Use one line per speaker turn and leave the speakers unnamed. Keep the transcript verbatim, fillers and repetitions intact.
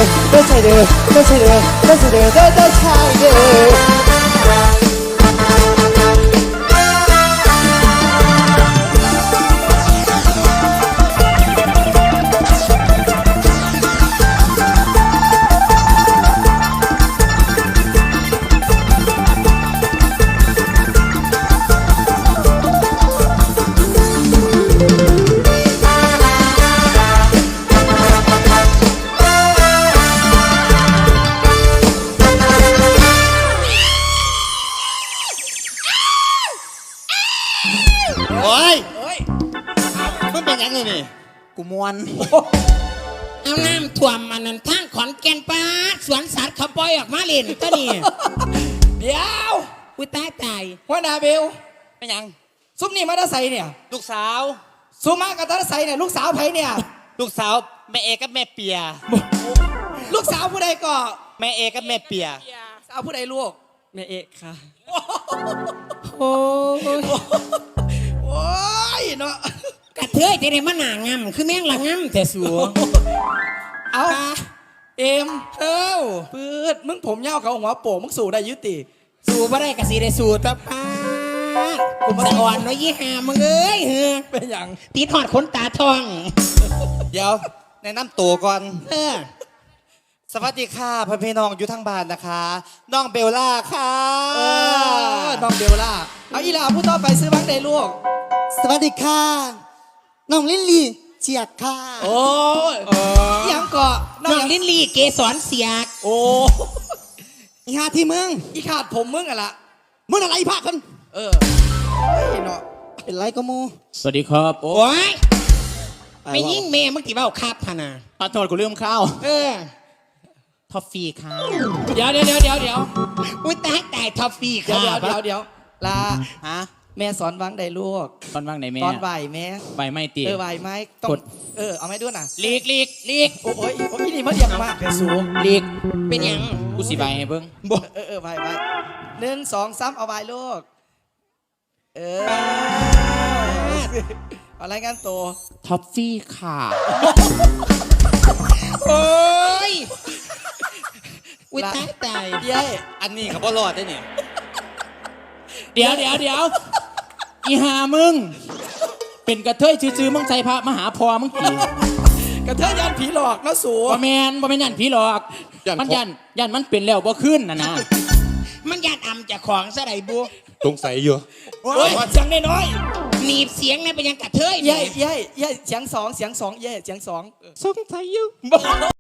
ไม่ใช่เด้อไม่ใช่เด้อไม่ใช่เด้อเด้อเด้อชายเด้อ
โอ้ยมันเป็นยังไงนี่กูมวน
เอาน้ำท่วมมันนั่นทางขอนแก่นป้าสวนสัตว์เขาปล่อยออกมาเล่นตัวนี้
เดี๋ยว
อุ้ยตายตาย
หัวหน้าเบล
เป็นยัง
ซุปนี่มาตาใสเนี่ย
ลูกสาว
ซุปมากับตาใสเนี่ยลูกสาวไผเนี่ย
ลูกสาวแม่เอกับแม่เปีย
ลูกสาวผู้ใดก็
แม่เอกับแม่เปีย
สาวผู้ใดลูก
แม่เอกค่ะ
โอ้ย
โอ้ยเนาะ
กระเทยจะได้มาหนางำคือแม่งละงำแต่สัว
เอาเอ็ม
เอ้า
ปืดมึงผมยาวเขาหัวโป่งมึงสู่ได้ยุติ
สู้บ่ได้กะสีได้สู้ตะป้ากูมาอ่อนไว้ยี่ห้ามึงเอ้ยเฮ้อ
เป็นอย่าง
ตีถอดขนตาทอง
เดี๋ยวแนะนำตัวก่อน
เออ
สวัสดีค่ะพ่อพี่น้องอยู่ทางบ้านนะคะ น้องเบลล่าค่ะ
เออน้องเบลล่าเอาอีหลาผู้ต่อไปซื้อบ้างได้ลูก
สวัสดีค่ะ น้องลิลลี่เจียกค่ะ
โอ้ยยังเกาะ
น้องลิ้นลี่เกสรเสียก
โอ้
อีหาที่มึง
อีขาดผมมึงอะละ
มึงอะไรภาคกัน
เออเฮ้ยเนาะ
เป็นไรก็มู
สวัสดีครับ
โอ้ยไม่ยิ่งแม่มึงกี่เบ้าครับพะนะ
ขอโทษกูลืมข้าว
เออ
ทอฟฟี่ค่ะ
เดี๋ยวเดี๋ยวเดี๋ยวเดี๋ยวเดี๋ยว
อุ้ยตายตายทอฟฟี่
เดี๋ยว
ค่ะ
เดี๋ยวเดี๋ยวลา
ฮะ
แม่สอนวางได้ลูก
ตอนว่างไหนแม่
ตอนไหวแม่
ใบไม่ตี
เออไหวไหมต้อง
กด
เออเอาไหมด้วยน่ะ
ลีกลีกลีก
โอ้ยโอ้ยนี่มาเรียงมากแต่สูง
ลีกเป็นหยัง
กูสิใบให้เบิ้ง
เออเออไหวไหวหนึ่งสองสามเอาไหวลูกเออเอาอะไรกันตัว
ทอฟฟี่ค่ะ
โอ้ยอุ้ยตายตาย
เย้
อันนี้เขาบ่รอดได้เนี่ย
เดี๋ยวเดี๋ยวเดี๋ยวอีหามึง เป็นกระเทยจื้อๆมึงใจพระมหาพอมึงกี่
กระเทยยันผีหลอกนะสู
บ่แมนบ่แมนยันผีหลอก มันยันยันมันเป็นแล้วบ่ขึ้นนะนะ
มันญาติอำจากของซะไดบุ
สงสัยอยู่
โอ้ยเสียงน้อย
หนีบเสียงเนี่ยเป็นหยังกระเทย
ๆเย้เย้เย้เสียงสองเสียงสองเย้เสียงสอง
สงสัยอยู่
โอ้